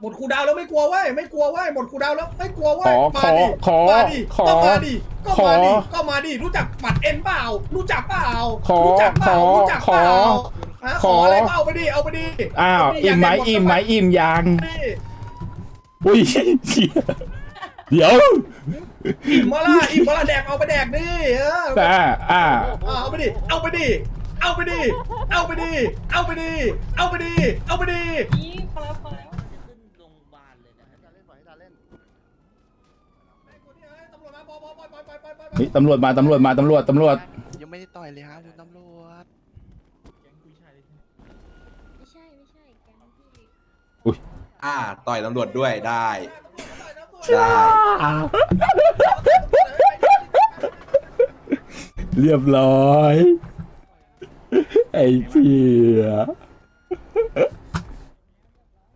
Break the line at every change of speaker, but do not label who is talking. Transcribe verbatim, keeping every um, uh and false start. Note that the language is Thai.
หมดคูดาวแล้วไม่กลัวเว้ยไม่กลัวเว้ยหมดคูดาวแล้วไม่กลัวเว้
ข
ย
อ
มา
ขอ
ดิ
ขอ
มาดิ
ขอ
ก็มาดิก็
ขอ
มาดิก็มาดิรู้จักปัดเอ็นเปล่ารู้จักเปล่า
ขอ
รู้จักเปล่า
ขอ
รู้จักเปล่า
ขอ
ฮะ
ข
ข
อ
ออะไรเปล่าเอาไปดิเอาไปดิ
อ้าว
เาปดิ
อิ่มไหม
ยากด้
อิ่มไหมอิ่มยัง
ดิ
อุ้ยเชี่ยเดี๋ยว
อิ่มมาละอิ่มมาละแดกเอาไปแดกดิเออ
อ่าอ่า
เอาไปดิเอาไปดิเอาไปดิเอาไปดิเอาไปดิเอาไปดิเอาไปดิ
นี่พอแล้วพอแล้ว
ขึ้นโรงพยาบาลเลยนะ
ตำรวจมาปล่อยปล่อยปล่อยปล่อยปล่อยปล่อยปล่อย
เฮ้ยตำรวจมาตำรวจมาตำรวจตำรวจ
ยังไม่ได้ต่อยเลยครับคุณตำรวจ
ไม่ใช่ไม่ใช่แกงพี่
อ่าต่อยตำรวจด้วยได้ได้
เรียบร้อย ไอ้เพีย